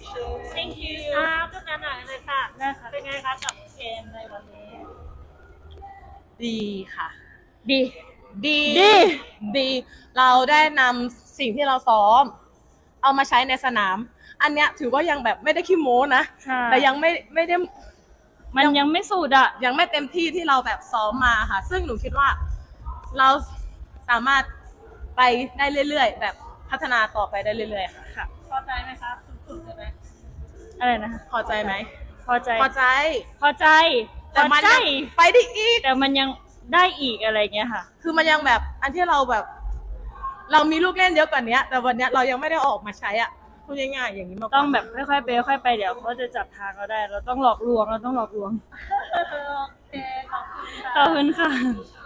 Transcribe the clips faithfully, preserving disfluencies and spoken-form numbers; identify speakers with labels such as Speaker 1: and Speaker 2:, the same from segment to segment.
Speaker 1: thank you ครับทุกท่านหน่อยเลยค่ะนะคะเป็นไงคะกับเกมในวันนี้
Speaker 2: ดีค่ะ
Speaker 1: ดี
Speaker 2: ดีดีดีเราได้นำสิ่งที่เราซ้อมเอามาใช้ในสนามอันเนี้ยถือว่ายังแบบไม่ได้ขี้โม้นะแต่ยังไม่ไม่ได้
Speaker 1: มันยังไม่สุดอะ
Speaker 2: ยังไม่เต็มที่ที่เราแบบซ้อมมาค่ะซึ่งหนูคิดว่าเราสามารถไปได้เรื่อยๆแบบพัฒนาต่อไปได้เรื่อยๆค่ะ
Speaker 1: พอใจไหมคะสุดๆเลยไหมอะไรนะ
Speaker 2: พอใจไหม
Speaker 1: พอใจ
Speaker 2: พอใจ
Speaker 1: พอใจ
Speaker 2: แต่มันยังไปได้อีก
Speaker 1: แต่มันยังได้อีกอะไรเงี้ยค่ะ
Speaker 2: คือมันยังแบบอันที่เราแบบเรามีลูกเล่นเยอะกว่านี้แต่วันนี้เรายังไม่ได้ออกมาใช้อ่ะพูดง่ายๆอย่างนี้มา
Speaker 1: ต้องแบบค่อยๆไปค่อยๆไปเดี๋ยวเขาจะจับทางเราได้เราต้องหลอกลวงเราต้องหลอกลวงโอเคขอบคุณค่ะ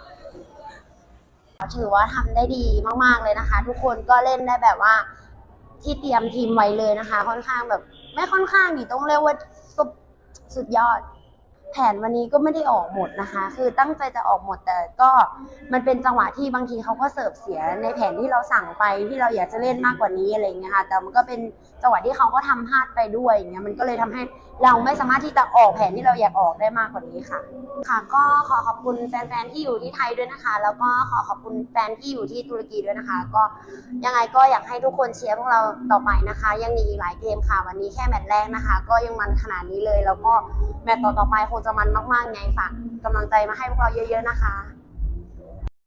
Speaker 3: ถือว่าทำได้ดีมากๆเลยนะคะทุกคนก็เล่นได้แบบว่าที่เตรียมทีมไว้เลยนะคะค่อนข้างแบบไม่ค่อนข้างดิต้องเรียกว่าสุดสุดยอดแผนวันนี้ก็ไม่ได้ออกหมดนะคะคือตั้งใจจะออกหมดแต่ก็มันเป็นจังหวะที่บางทีเขาก็เสิร์ฟเสียในแผนที่เราสั่งไปที่เราอยากจะเล่นมากกว่านี้อะไรเงี้ยค่ะแต่มันก็เป็นจังหวะที่เขาก็ทำพลาดไปด้วยอย่างเงี้ยมันก็เลยทำให้เราไม่สามารถที่จะออกแผนที่เราอยากออกได้มากกว่านี้ค่ะค่ะก็ขอขอบคุณแฟนๆที่อยู่ที่ไทยด้วยนะคะแล้วก็ขอขอบคุณแฟนที่อยู่ที่ตุรกีด้วยนะคะก็ยังไงก็อยากให้ทุกคนเชียร์พวกเราต่อไปนะคะยังมีอีกหลายเกมค่ะวันนี้แค่แมตช์แรกนะคะก็ยังมันขนาดนี้เลยแล้วก็แมตช์ต่อๆไปคงจะมันมากๆไงฝากกำลังใจมาให้พวกเราเยอะๆนะคะ